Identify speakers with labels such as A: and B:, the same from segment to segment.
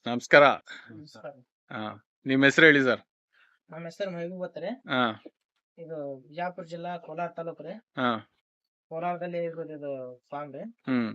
A: ನಮಸ್ಕಾರ.
B: ನಮಸ್ಕಾರ.
A: ಹಾ, ನಿಮ್ ಹೆಸರು ಹೇಳಿ ಸರ್.
B: ನಮ್ಮ ಹೆಸರು ಮೆಹಬೂಬ್ ರೀ.
A: ಹಾ
B: ಇದು ಬಿಜಾಪುರ ಜಿಲ್ಲಾ ಕೋಲಾರ ತಾಲೂಕು ರೀ.
A: ಹಾ
B: ಕೋಲಾರದಲ್ಲಿ ಇದು ಫಾರ್ಮ್ ರೀ.
A: ಹ್ಮ್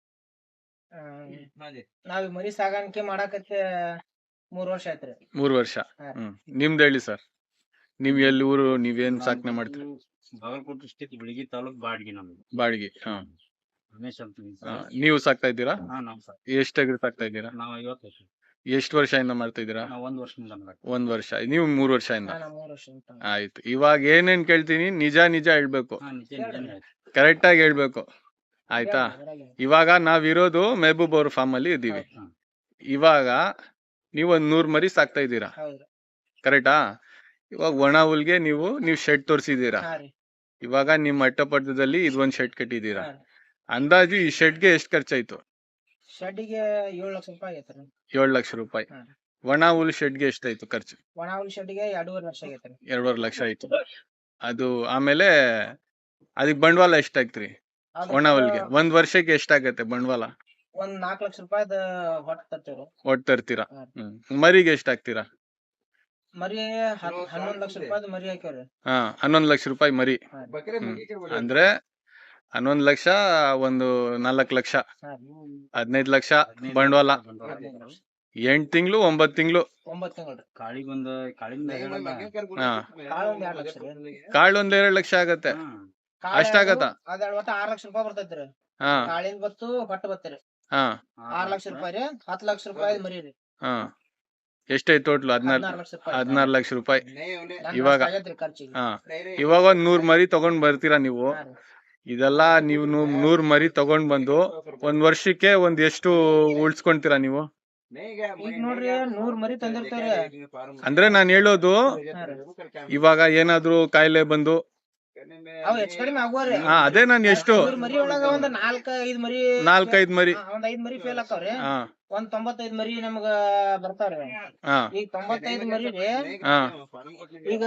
B: ಆ, ನಾವ್ ಈ ಮರಿ ಸಾಗಾಣಿಕೆ ಮಾಡಾಕತ್ತೆ 3 ವರ್ಷ ಆಯ್ತ್ರಿ.
A: 3 ವರ್ಷ.
B: ಹಾ.
A: ನಿಮ್ದು ಹೇಳಿ ಸರ್. ನೀವ್ ಎಲ್ಲಿ ಊರು, ನೀವೇನ್ ಸಾಕಣೆ ಮಾಡ್ತೀರಿ?
C: ಬಾಗಲಕೋಟೆ ಡಿಸ್ಟಿಕ್ ಬಿಳಗಿ ತಾಲೂಕ್ ಬಾಡ್ಗಿ ನಮ್ದು.
A: ಬಾಡಿಗೆ. ಹಾ
C: ರಮೇಶ್ ಅಂತ
A: ಹಾ. ನೀವು ಸಾಕ್ತಾ ಇದ್ದೀರಾ?
C: ನಾವ್ ಸರ್
A: ಎಷ್ಟಾಗಿ ಸಾಕ್ತಾ ಇದ್ದೀರಾ?
C: ನಾವ್ 50 ವರ್ಷ.
A: ಎಷ್ಟು ವರ್ಷದಿಂದ ಮಾಡ್ತಾ ಇದ್ದೀರಾ?
C: ನಾವ್ 1 ವರ್ಷದಿಂದ ಮಾಡ್ತೀವಿ.
A: 1 ವರ್ಷ. ನೀವು 3 ವರ್ಷದಿಂದ.
B: ನಾ 3 ವರ್ಷ ಅಂತ.
A: ಆಯ್ತು. ಇವಾಗ ಏನೇನ್ ಕೇಳ್ತೀನಿ ನಿಜ ಹೇಳ್ಬೇಕು,
C: ನಿಜ
A: ಕರೆಕ್ಟ್ ಆಗಿ ಹೇಳ್ಬೇಕು, ಆಯ್ತಾ? ಇವಾಗ ನಾವಿರೋದು ಮೆಹಬೂಬ್ ಅವ್ರ ಫಾರ್ಮ್ ಅಲ್ಲಿ ಇದ್ದೀವಿ. ಇವಾಗ ನೀವು ಒಂದ್ 100 ಮರಿ ಸಾಕ್ತಾ ಇದ್ದೀರಾ,
B: ಹೌದ್ರಿ.
A: ಕರೆಕ್ಟಾ? ಇವಾಗ ಒಣ ಹುಲ್ಗೆ ನೀವು ಶೆಡ್ ತೋರಿಸಿದೀರಾ.
B: ಹಾ ರೀ.
A: ಇವಾಗ ನಿಮ್ಮ ಅಟ್ಟಪಟ್ಟದಲ್ಲಿ ಇದೊಂದ್ ಶೆಡ್ ಕಟ್ಟಿದೀರಾ.
B: ಹಾ ರೀ.
A: ಅಂದಾಜು ಈ ಶೆಡ್ಗೆ ಎಷ್ಟು ಖರ್ಚಾಯ್ತು?
B: ಶೆಡ್ಡಿಗೆ 7 ಲಕ್ಷ ರೂಪಾಯಿ ಆಗೈತ್ರಿ.
A: 7 ಲಕ್ಷ ರೂಪಾಯಿ.
B: ಹಾ.
A: ಒಣ ಹುಲ್ ಶೆಡ್ಗೆ ಎಷ್ಟಾಯ್ತು ಖರ್ಚು?
B: ಒಣ ಹುಲ್ ಶೆಡ್ಡಿಗೆ 2.5 ಲಕ್ಷ ಆಗೈತ್ರಿ.
A: 2.5 ಲಕ್ಷ ಆಯ್ತು. ಅದು ಆಮೇಲೆ ಅದಕ್ ಬಂಡವಾಳ ಎಷ್ಟಾಗ್ತ್ರಿ? ಒಣ ಹುಲ್ಗೆ ಒಂದ್ ವರ್ಷಕ್ಕೆ ಎಷ್ಟಾಗತ್ತೆ ಬಂಡವಾಳ?
B: ಒಂದ್ 4 ಲಕ್ಷ ರೂಪಾಯಿದ ಹೊಟ್ಟ ತರ್ತೀವ್ರಿ.
A: ಒಟ್ಟು ತರ್ತೀರಾ?
B: ಹಾ.
A: ಮರಿಗೆ ಎಷ್ಟಾಗ್ತೀರಾ?
B: ಮರಿ 11 ಲಕ್ಷ ರೂಪಾಯಿದ ಮರಿ ಹಾಕ್ಯಾವ್ರಿ.
A: ಹಾ, 11 ಲಕ್ಷ ರೂಪಾಯಿ ಮರಿ.
B: ಹಾ.
A: ಅಂದ್ರೆ 11 ಲಕ್ಷ, ಒಂದು 4 ಲಕ್ಷ,
B: ಹಾ.
A: 15 ಲಕ್ಷ ಬಂಡವಾಳ. 8 ತಿಂಗಳು 9 ತಿಂಗಳು
B: 9 ತಿಂಗಳು.
C: ಕಾಳಿಗೊಂದು ಕಾಳಿಂದ
A: ಹಾ.
B: ಕಾಳು ಒಂದ್ 2 ಲಕ್ಷ ರೀ.
A: ಕಾಳು ಒಂದ್ 2 ಲಕ್ಷ ಆಗತ್ತೆ. ಅಷ್ಟಾಗತ್ತ?
B: ಅದ್ ಒಟ್ಟ 6 ಲಕ್ಷ ರೂಪಾಯಿ ಬರ್ತೈತ್ರಿ.
A: ಹಾ
B: ಕಾಳಿಂದ ಬತ್ತು ಹೊಟ್ಟ ಬತ್ತೀರಿ.
A: ಹಾ
B: 6 ಲಕ್ಷ ರೂಪಾಯಿ ರೀ. 10 ಲಕ್ಷ ರೂಪಾಯಿ ಮರಿ ರೀ.
A: ಹಾ. ಎಷ್ಟೈತ್ ಟೋಟ್ಲು?
B: 16 ಲಕ್ಷ ರೂಪಾಯಿ.
A: 16 ಲಕ್ಷ ರೂಪಾಯಿ.
B: ನನ್
A: ಇವಾಗ?
B: ಅಷ್ಟ್ ಆಗೈತ್ರಿ ಖರ್ಚಿಗೆ.
A: ಹಾ. ಇವಾಗ ಒಂದ್ 100 ಮರಿ ತಗೊಂಡ್ ಬರ್ತೀರಾ ನೀವು.
B: ಹಾ ರೀ.
A: ಇದೆಲ್ಲ ನೀವು 100 ಮರಿ ತಗೊಂಡ್ ಬಂದು ಒಂದ್ ವರ್ಷಕ್ಕೆ ಒಂದ್ ಎಷ್ಟು ಉಳ್ಸ್ಕೊಂತೀರಾ ನೀವು?
B: ಈಗ ನೋಡ್ರಿ 100 ಮರಿ ತಂದಿರ್ತಾರ.
A: ಅಂದ್ರೆ ನಾನ್ ಹೇಳೋದು,
B: ಹಾ ರೀ.
A: ಇವಾಗ ಏನಾದ್ರು ಕಾಯಿಲೆ ಬಂದು,
B: ಅವ್ ಹೆಚ್ಚ್ ಕಡಿಮೆ ಆಗುವ್ರಿ.
A: ಹಾ ಅದೇ ನಾನ್ ಎಷ್ಟು
B: 100 ಮರಿ ಒಳಗ ಒಂದ್ 4-5 ಮರಿ
A: 4-5 ಮರಿ.
B: ಒಂದ್ 5 ಮರಿ ಫೇಲ್ ಆಕಾವ್ರಿ.
A: ಹಾ
B: ಒಂದ್ 95 ಮರಿ ನಮಗ ಬರ್ತಾವ್ರಿ.
A: ಹಾ
B: ಈಗ 95 ಮರಿ ರೀ.
A: ಹಾ
B: ಈಗ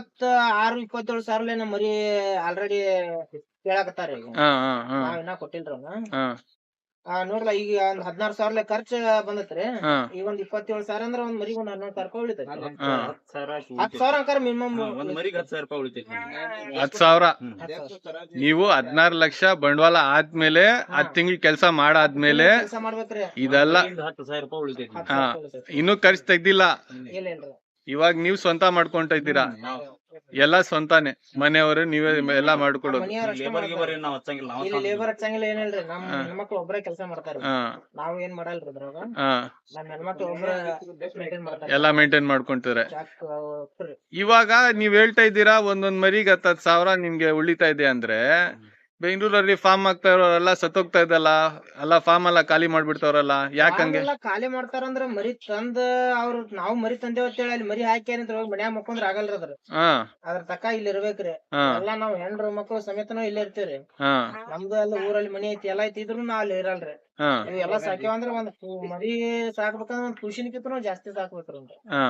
B: 26-27 ಸಾವಿರ ನಮ್ಮ ಮರಿ ಆಲ್ರೆಡಿ ಕೇಳಾಕತ್ತಾರ ಈಗ.
A: ಹಾ ಹಾ ಹಾ
B: ನಾವ್ ಇನ್ನ ಕೊಟ್ಟಿಲ್ರಿ ಅವ್ನ.
A: ಹಾ
B: ನೋಡ್ರಲ್ಲ ಈಗ ಒಂದ್ 16 ಸಾವಿರ ಖರ್ಚು ಬಂದತ್ರಿ.
A: ಹಾ
B: ಈಗ ಒಂದ್ 27 ಸಾವಿರ ಅಂದ್ರ ಒಂದ್ ಮರಿಗ್ ಒಂದ್ 14 ಸಾವಿರ ರೂಪಾಯಿ ಉಳಿತೈತಿ.
A: ಹಾ
B: 10 ಸಾವಿರ ಅಂಕಾರ ಮಿನಿಮಮ್.
C: ಒಂದ್ ಮರಿಗೆ 10,000 ರೂಪಾಯಿ ಉಳಿತೈತಿ.
A: 10,000. ನೀವು 16 ಲಕ್ಷ ಬಂಡವಾಳ ಆದ್ಮೇಲೆ 10 ತಿಂಗಳು ಕೆಲಸ ಮಾಡಾದ್ಮೇಲೆ
B: ಕೆಲಸ ಮಾಡ್ಬೇಕ್ರಿ.
A: ಇದೆಲ್ಲ
C: 10,000 ರೂಪಾಯಿ ಉಳಿತೈತಿ.
B: 10
A: ಹಾ
B: ಸಾವಿರ ರೂಪಾಯಿ ಉಳಿತೈತಿ.
A: ಇನ್ನೂ ಖರ್ಚು ತೆಗ್ದಿಲ್ಲ.
B: ಇಲ್ಲ ಇಲ್ರಿ.
A: ಇವಾಗ ನೀವ್ ಸ್ವಂತ ಮಾಡ್ಕೊಂತ ಇದ್ದೀರಾ. ಎಲ್ಲ ಸ್ವಂತಾನೆ, ಮನೆಯವರು ನೀವೇ ಎಲ್ಲಾ ಮಾಡ್ಕೊಡೋದು.
B: ಮನಿಯವ್ರ ಅಷ್ಟೇ
C: ಲೇಬರ್
B: ಮಾಡ್ತಾರ.
C: ಗಿಬರ್ ನಾವ್ ಹಚ್ಚಂಗಿಲ್ಲ. ನಾವ್
B: ಇಲ್ಲಿ ಲೇಬರ್ ಹಚ್ಚಂಗಿಲ್ಲ ಏನಿಲ್ರಿ. ನಮ್
A: ಹಾ.
B: ಹೆಣ್ಮಕ್ಳು ಒಬ್ರೇ ಕೆಲಸ ಮಾಡ್ತಾರ.
A: ಹಾ
B: ನಾವ್ ಏನ್ ಮಾಡಲ್ರಿ ಅದ್ರಾಗ.
A: ಹಾ
B: ನಮ್ ಹೆಣ್ಮಕ್ಳು ಒಬ್ರೇ ಮೇಂಟೈನ್ ಮಾಡ್ತಾರ.
A: ಎಲ್ಲಾ ಮೇಂಟೈನ್ ಮಾಡ್ಕೊಂತಾರೆ.
B: Chalk free.
A: ಇವಾಗ ನೀವ್ ಹೇಳ್ತಾ ಇದ್ದೀರಾ ಒಂದೊಂದ್ ಮರಿಗೆ 10,000 ನಿಮ್ಗೆ ಉಳಿತಾ ಇದೆ ಅಂದ್ರೆ, ಬೆಂಗಳೂರಲ್ಲಿ ಫಾರ್ಮ್ ಆಗ್ತಾ ಇರೋರೆಲ್ಲ ಸತ್ತೋಗ್ತಾ ಇದ್ದಲ್ಲ, ಎಲ್ಲ ಫಾರ್ಮ್ ಎಲ್ಲ ಖಾಲಿ ಮಾಡ್ಬಿಡ್ತಾವ್ರಲ್ಲ, ಯಾಕಂಗೆ?
B: ಎಲ್ಲ ಖಾಲಿ ಮಾಡ್ತಾರಂದ್ರ ಮರಿ ತಂದ ಅವ್ರ ನಾವ್ ಮರಿ ತಂದೇವ್ ಅಂತ ಹೇಳಿ ಅಲ್ಲಿ ಮರಿ ಹಾಕಿ ಅಂತ ಮನ್ಯಾಗ ಮಕ್ಕೊಂದ್ರ ಆಗಲ್ರಿ ಅದ್ರ.
A: ಹಾ
B: ಅದ್ರ ತಕ್ಕ ಇಲ್ಲಿ ಇರ್ಬೇಕ್ರಿ.
A: ಹಾ
B: ಎಲ್ಲಾ ನಾವ್ ಹೆಣ್ರು ಮಕ್ಳು ಸಮೇತನು ಇಲ್ಲೇ ಇರ್ತೀವ್ರಿ.
A: ಹಾ
B: ನಮ್ದು ಎಲ್ಲ ಊರಲ್ಲಿ ಮನಿ ಐತಿ ಎಲ್ಲಾ ಐತಿ ಇದ್ರು ನಾವ್ ಅಲ್ಲಿ ಇರಲ್ರಿ.
A: ಹಾ
B: ಇವೆಲ್ಲಾ ಸಾಕ್ಯಾವ ಅಂದ್ರ ಮರಿ ಸಾಕ್ಬೇಕಂದ್ರ ಒಂದ್ ಖುಷಿನಿಕಿಂತನೂ ಜಾಸ್ತಿ ಸಾಕ್ಬೇಕ್ರಿ.
A: ಹಾ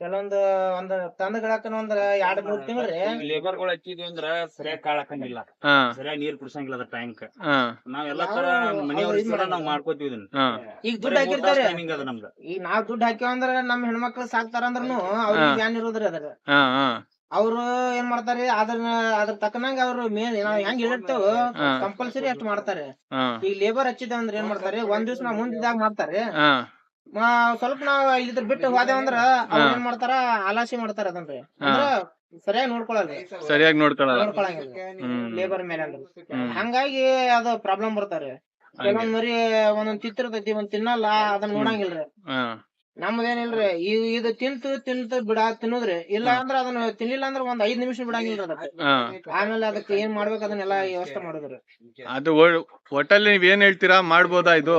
B: ಒಂದ್ ತಂದಗಳಕನ ಒಂದ್ 2-3 ತಿಂಗ್ಳ್ರಿ.
C: ಲೇಬರ್ ಗಳು ಹಚ್ಚಿದ್ವಿ ಅಂದ್ರ ಸರಿಯಾಗಿ ಕಾಳ್ ಹಾಕಂಗಿಲ್ಲ,
A: ಹಾ
C: ಸರಿಯಾಗಿ ನೀರ್ ಕುಡ್ಸಂಗಿಲ್ಲ ಅದ್ರ ಟ್ಯಾಂಕ್.
A: ಹಾ
C: ನಾವ್ ಎಲ್ಲಾ ತರ ಮನೆಯವ್ರ ನಾವ್ ಮಾಡ್ಕೋತೀವಿ ಇದನ್ನ.
A: ಹಾ
B: ಈಗ ದುಡ್ಡು ಹಾಕಿರ್ತಾರ.
C: ಟೈಮಿಂಗ್ ಅದ ನಮ್ದು.
B: ಈಗ ನಾವ್ ದುಡ್ಡು ಹಾಕ್ಯಾವ ಅಂದ್ರ ನಮ್ ಹೆಣ್ಮಕ್ಳು ಸಾಕ್ತಾರ ಅಂದ್ರನು ಅವ್ರಿಗೆ ಬ್ಯಾನ್ ಇರೋದ್ರಿ ಅದ್ರ.
A: ಹಾ ಹಾ
B: ಅವ್ರು ಏನ್ ಮಾಡ್ತಾರಿ ಅದ್ರ ತಕ್ಕನಂಗ ಅವ್ರು ನಾವ್ ಹೆಂಗ್ ಹೇಳಿರ್ತೇವ ಕಂಪಲ್ಸರಿ ಅಷ್ಟ್ ಮಾಡ್ತಾರೆ.
A: ಹಾ
B: ಈಗ ಲೇಬರ್ ಹಚ್ಚಿದ ಅಂದ್ರ ಏನ್ ಮಾಡ್ತಾರೆ, ಒಂದ್ ದಿವ್ಸ ನಾವ್ ಮುಂದಿದಾಗ ಮಾಡ್ತಾರೆ.
A: ಹಾ
B: ಸ್ವಲ್ಪ ನಾವ್ ಇದ್ರ ಬಿಟ್ಟು ಹೋದೇವ್ ಅಂದ್ರ ಅವ್ರ ಏನ್ ಮಾಡ್ತಾರ, ಆಲಾಸಿ ಮಾಡ್ತಾರ ಅದನ್ರಿ. ಅಂದ್ರ ಸರಿಯಾಗಿ ನೋಡ್ಕೊಳಲ್ರಿ.
A: ಸರಿಯಾಗಿ ನೋಡ್ಕೊಳಲ್ಲ.
B: ನೋಡ್ಕೊಳಂಗಿಲ್ಲ ಲೇಬರ್ ಮೇಲೆ ಅಂದ್ರ. ಹಂಗಾಗಿ ಅದು ಪ್ರಾಬ್ಲಮ್ ಬರ್ತಾರಿ. ಕೆಲವೊಂದ್ ಮರಿ ಒಂದೊಂದ್ ತಿತ್ತಿರ್ತೈತಿ, ಒಂದ್ ತಿನ್ನಲ್ಲ, ಅದನ್ನ ನೋಡಂಗಿಲ್ರಿ.
A: ಹಾ
B: ನಮ್ದೇನಿಲ್ರಿ, ಇದು ತಿಂತು ತಿನ್ನೋದ್ರಿ. ಇಲ್ಲ ಅಂದ್ರ ಅದನ್ನ ತಿನ್ನಿಲ್ಲ ಅಂದ್ರ ಒಂದ್ 5 ನಿಮಿಷ ಬಿಡಂಗಿಲ್ರಿ ಅದಕ್ಕೆ.
A: ಹಾ
B: ಆಮೇಲೆ ಅದಕ್ಕೆ ಏನ್ ಮಾಡ್ಬೇಕು ಅದನ್ನೆಲ್ಲಾ ವ್ಯವಸ್ಥೆ ಮಾಡೋದ್ರಿ.
A: ಅದು ಒಟ್ಟಲ್ಲಿ ನೀವ್ ಏನ್ ಹೇಳ್ತೀರಾ, ಮಾಡ್ಬೋದಾ ಇದು?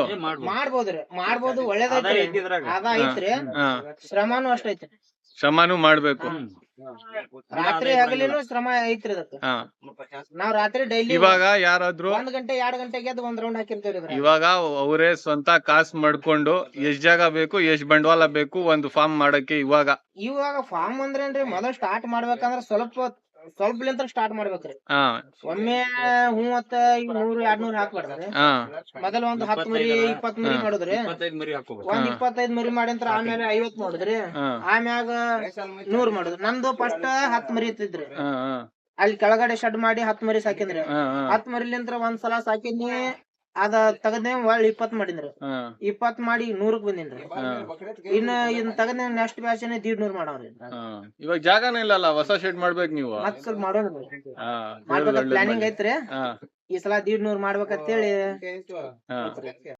B: ಮಾಡ್ಬೋದು ಒಳ್ಳೇದೈತ್ರಿ. ಅದ ಐತ್ರಿ.
A: ಹಾ
B: ಶ್ರಮನೂ ಅಷ್ಟೈತಿ.
A: ಶ್ರಮನೂ ಮಾಡ್ಬೇಕು.
B: ರಾತ್ರಿ ಹಗಲಿನೂ ಶ್ರಮ ಐತ್ರಿ ಅದಕ್ಕೆ.
A: ಹಾ
B: ನಾವ್ ರಾತ್ರಿ ಡೈಲಿ
A: ಇವಾಗ ಯಾರಾದ್ರೂ
B: 1 ಗಂಟೆ 2 ಗಂಟೆಗೆ ಎದ್ದು ಒಂದ್ ರೌಂಡ್ ಹಾಕಿರ್ತೇವ್ರಿ ಇದ್ರಾಗ.
A: ಇವಾಗ ಅವರೇ ಸ್ವಂತ ಕಾಸು ಮಾಡ್ಕೊಂಡು ಎಷ್ಟ್ ಜಾಗ ಬೇಕು, ಎಷ್ಟ್ ಬಂಡವಾಳ ಬೇಕು ಒಂದು ಫಾರ್ಮ್ ಮಾಡಕ್ಕೆ? ಇವಾಗ
B: ಫಾರ್ಮ್ ಅಂದ್ರೇನ್ರಿ, ಮೊದಲ್ ಸ್ಟಾರ್ಟ್ ಮಾಡ್ಬೇಕಂದ್ರ ಸ್ವಲ್ಪ ಸ್ವಲ್ಪಲಿಂತ್ರ ಸ್ಟಾರ್ಟ್ ಮಾಡ್ಬೇಕ್ರಿ.
A: ಹಾ
B: ಒಮ್ಮೆ ಮೂವತ್ತ ಈಗ 100-200 ಹಾಕ್ಬಾರ್ದ್ರಿ.
A: ಹಾ
B: ಮೊದಲ ಒಂದ್ 10 ಮರಿ 20 ಮರಿ ಮಾಡುದ್ರಿ.
C: 25 ಮರಿ ಹಾಕೋಬೇಕು.
B: ಒಂದ್ 25 ಮರಿ ಮಾಡಿಂತ್ರ ಆಮೇಲೆ 50 ಮಾಡುದ್ರಿ.
A: ಹಾ
B: ಆಮ್ಯಾಗ 100 ಮಾಡುದ್ರಿ. ನಂದು ಫಸ್ಟ್ 10 ಮರಿ ಇತ್ತಿದ್ರಿ.
A: ಹಾ ಹಾ
B: ಅಲ್ಲಿ ಕೆಳಗಡೆ ಶೆಡ್ ಮಾಡಿ 10 ಮರಿ ಸಾಕಿನ್ರಿ.
A: ಹಾ
B: 10 ಮರಿಲಿಂತ್ರ ಒಂದ್ಸಲ ಸಾಕಿನಿ, ಅದ ತಗದ್ನೆ ಒಳ್ಳಿ 20 ಮಾಡಿನ್ರಿ.
A: ಹಾ
B: 20 ಮಾಡಿ 100ಕ್ ಬಂದಿನ್ರಿ. ಇನ್ ತಗದ್ನೆ ನೆಕ್ಸ್ಟ್ ಬ್ಯಾಚ್ 150 ಮಾಡವ್ರಿ.
A: ಹಾ ಇವಾಗ ಜಾಗನೇ ಇಲ್ಲಲ್ಲ, ಹೊಸ ಶೆಡ್ ಮಾಡ್ಬೇಕು ನೀವು.
B: ಮತ್ ಸ್ವಲ್ಪ ಮಾಡೋಣ
A: ಹಾ
B: ಮಾಡ್ಬೇಕ ಪ್ಲಾನಿಂಗ್ ಐತ್ರಿ.
A: ಹಾ
B: ಈ ಸಲ 150 ಮಾಡ್ಬೇಕಂತೇಳಿ
A: ಹಾ